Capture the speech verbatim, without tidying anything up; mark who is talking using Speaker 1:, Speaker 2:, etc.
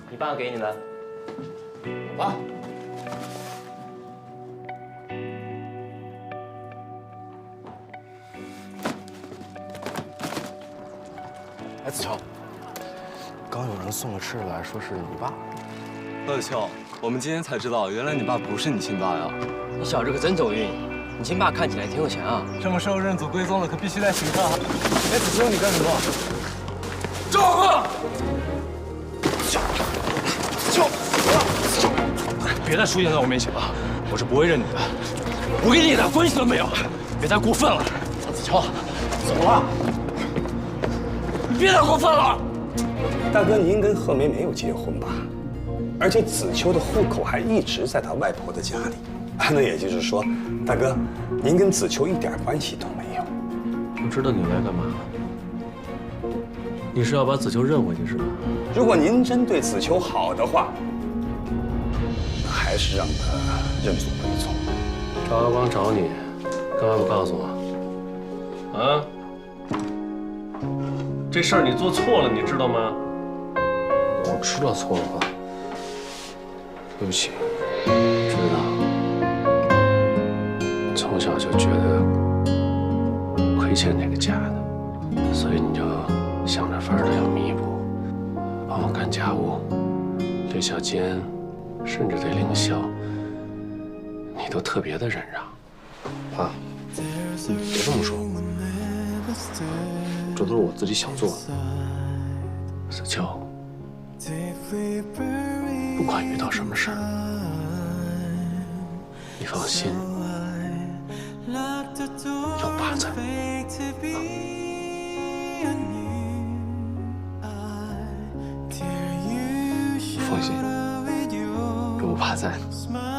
Speaker 1: 你爸给你的。
Speaker 2: 我爸。哎，子乔，刚有人送了吃的来，说是你爸。
Speaker 3: 乐秋，我们今天才知道，原来你爸不是你亲爸呀！
Speaker 1: 你小子可真走运，你亲爸看起来挺有钱啊。
Speaker 3: 这么受认祖归宗的，可必须得请客。
Speaker 2: 哎，子秋，你干什么？
Speaker 3: 赵贺！
Speaker 2: 子秋，子秋，
Speaker 4: 别再出现在我面前了，我是不会认你的。我跟你一点关系都没有，别太过分了。
Speaker 2: 子秋，走了。
Speaker 4: 你别太过分了。
Speaker 5: 大哥，您跟贺梅没有结婚吧？而且子秋的户口还一直在他外婆的家里。那也就是说，大哥，您跟子秋一点关系都没有。
Speaker 4: 我知道你来干嘛？你是要把子秋认回去是吧？
Speaker 5: 如果您真对子秋好的话，那还是让他认祖归宗。
Speaker 4: 赵阿光找你，干嘛不告诉我？啊？这事儿你做错了，你知道吗？我知道错了，对不起，知道。从小就觉得亏欠这个家的，所以你就想着法儿的要弥补，帮我干家务，对小坚，甚至对凌霄，你都特别的忍让。爸，你别这么说，这都是我自己想做的。子秋，不管遇到什么事儿，你放心，有爸在。放心，有我爸在。